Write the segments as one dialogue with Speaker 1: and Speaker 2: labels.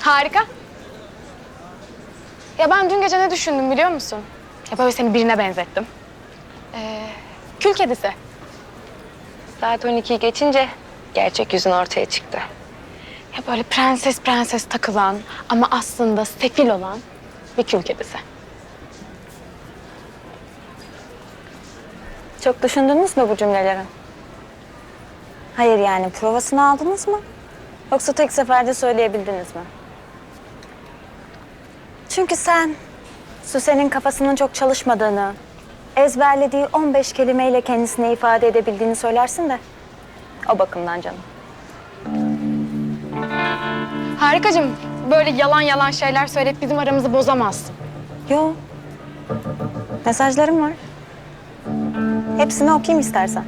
Speaker 1: Harika. Ya ben dün gece ne düşündüm biliyor musun? Ya böyle seni birine benzettim. Kül kedisi. Saat 12'yi geçince gerçek yüzün ortaya çıktı. Ya böyle prenses prenses takılan ama aslında sefil olan bir kül kedisi.
Speaker 2: Çok düşündünüz mü bu cümleleri? Hayır yani provasını aldınız mı? Yoksa tek seferde söyleyebildiniz mi? Çünkü sen Süsen'in kafasının çok çalışmadığını, ezberlediği 15 kelimeyle kendisine ifade edebildiğini söylersin de o bakımdan canım.
Speaker 1: Harikacığım, böyle yalan yalan şeyler söyleyip bizim aramızı bozamazsın.
Speaker 2: Yo. Mesajlarım var. Hepsini okuyayım istersen.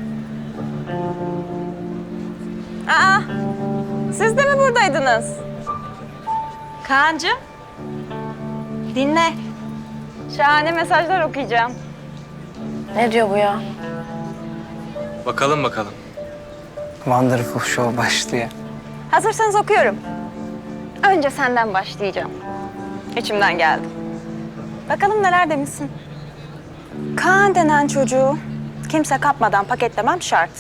Speaker 2: Aa, siz de mi buradaydınız? Kaan'cığım, dinle. Şahane mesajlar okuyacağım.
Speaker 3: Ne diyor bu ya?
Speaker 4: Bakalım bakalım.
Speaker 5: Wonderful Show başlıyor.
Speaker 2: Hazırsanız okuyorum. Önce senden başlayacağım. İçimden geldi. Bakalım neler demişsin. Kaan denen çocuğu kimse kapmadan paketlemem şart.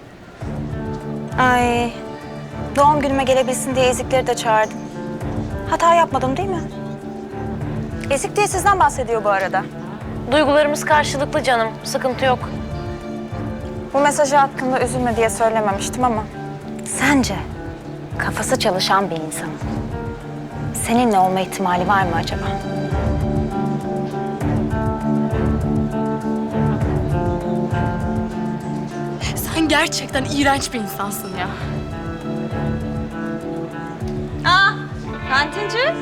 Speaker 2: Ay, doğum günüme gelebilsin diye ezikleri de çağırdım. Hata yapmadım değil mi? Ezik diye sizden bahsediyor bu arada.
Speaker 3: Duygularımız karşılıklı canım. Sıkıntı yok.
Speaker 2: Bu mesajı hakkında üzülme diye söylememiştim ama... Sence kafası çalışan bir insanın seninle olma ihtimali var mı acaba?
Speaker 1: Sen gerçekten iğrenç bir insansın ya.
Speaker 2: Aa, kantinci.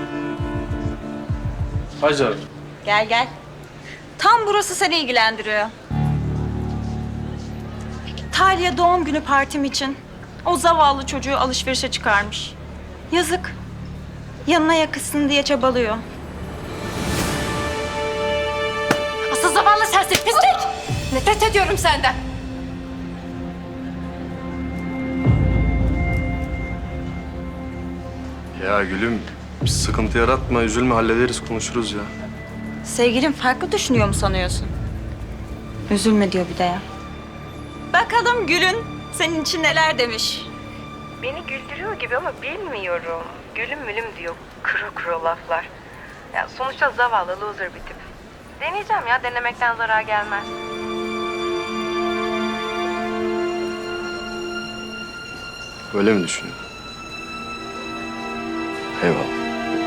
Speaker 4: Hacer.
Speaker 2: Gel gel. Tam burası seni ilgilendiriyor. Talya doğum günü partim için o zavallı çocuğu alışverişe çıkarmış. Yazık. Yanına yakışsın diye çabalıyor.
Speaker 3: Asıl zavallı sensin pislik! Nefret ediyorum senden.
Speaker 4: Ya gülüm, sıkıntı yaratma, üzülme, hallederiz, konuşuruz ya.
Speaker 2: Sevgilim farklı düşünüyor mu sanıyorsun? Üzülme diyor bir de ya. Bakalım Gül'ün senin için neler demiş.
Speaker 6: Beni güldürüyor gibi ama bilmiyorum. Gülüm mülüm diyor. Kuru kuru laflar. Ya sonuçta zavallı loser bir tip. Deneyeceğim ya. Denemekten zarar gelmez.
Speaker 4: Öyle mi düşünüyorsun? Eyvallah.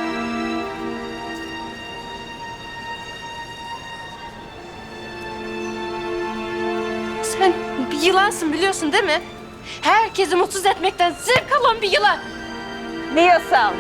Speaker 3: Sen bir yılansın biliyorsun değil mi? Herkesi mutsuz etmekten zevk alan bir yılan.
Speaker 2: Diyorsam.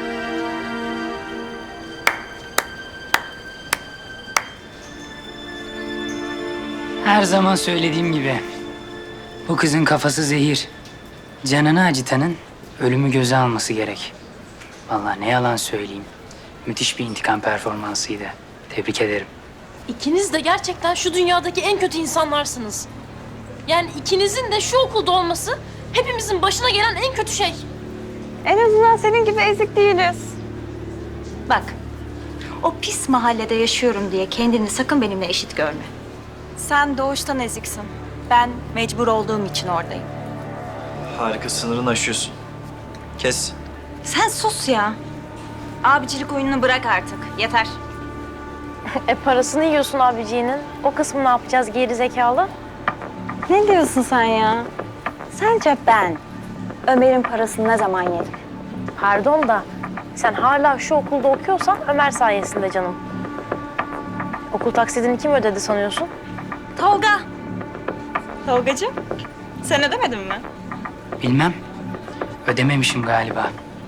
Speaker 5: Her zaman söylediğim gibi bu kızın kafası zehir. Canını acıtanın ölümü göze alması gerek. Vallahi ne yalan söyleyeyim. Müthiş bir intikam performansıydı. Tebrik ederim.
Speaker 3: İkiniz de gerçekten şu dünyadaki en kötü insanlarsınız. Yani ikinizin de şu okulda olması hepimizin başına gelen en kötü şey.
Speaker 2: En azından senin gibi ezik değiliz. Bak, o pis mahallede yaşıyorum diye kendini sakın benimle eşit görme. Sen doğuştan eziksin. Ben mecbur olduğum için oradayım.
Speaker 7: Harika, sınırını aşıyorsun. Kes.
Speaker 2: Sen sus ya. Abicilik oyununu bırak artık. Yeter.
Speaker 3: Parasını yiyorsun abiciğinin. O kısmı ne yapacağız geri zekalı?
Speaker 2: Ne diyorsun sen ya? Sence ben Ömer'in parasını ne zaman yedim?
Speaker 3: Pardon da sen hala şu okulda okuyorsan Ömer sayesinde canım. Okul taksidini kim ödedi sanıyorsun?
Speaker 2: Tolga. Tolgacığım, sen ödemedin mi?
Speaker 5: Bilmem. Ödememişim galiba.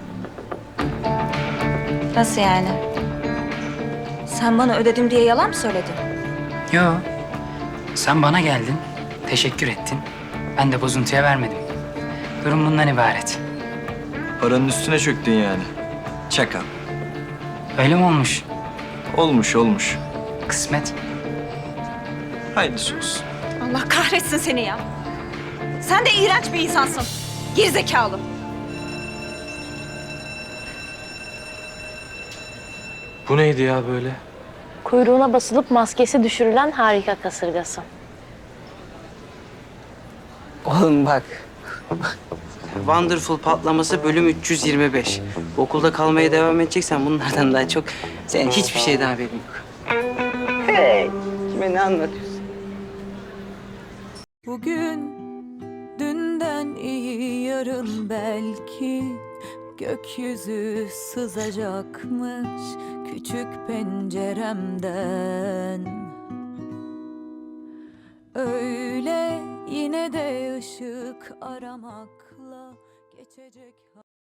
Speaker 2: Nasıl yani? Sen bana ödedim diye yalan mı söyledin?
Speaker 5: Yo. Sen bana geldin. Teşekkür ettin. Ben de bozuntuya vermedim. Durum bundan ibaret.
Speaker 7: Paranın üstüne çöktün yani. Çakal.
Speaker 5: Öyle mi olmuş?
Speaker 7: Olmuş olmuş.
Speaker 5: Kısmet.
Speaker 7: Hayırlısı olsun.
Speaker 2: Allah kahretsin seni ya. Sen de iğrenç bir insansın. Gerizekalı.
Speaker 4: Bu neydi ya böyle?
Speaker 3: Kuyruğuna basılıp maskesi düşürülen harika kasırgası.
Speaker 8: Oğlum bak. Wonderful patlaması bölüm 325. Bu okulda kalmaya devam edeceksen bunlardan daha çok senin hiçbir şeyden haberin yok. Hey, kime ne anlatıyorsun?
Speaker 9: Bugün dünden iyi yarın belki gökyüzü sızacakmış küçük penceremden. Öyle yine de ışık aramakla geçecek.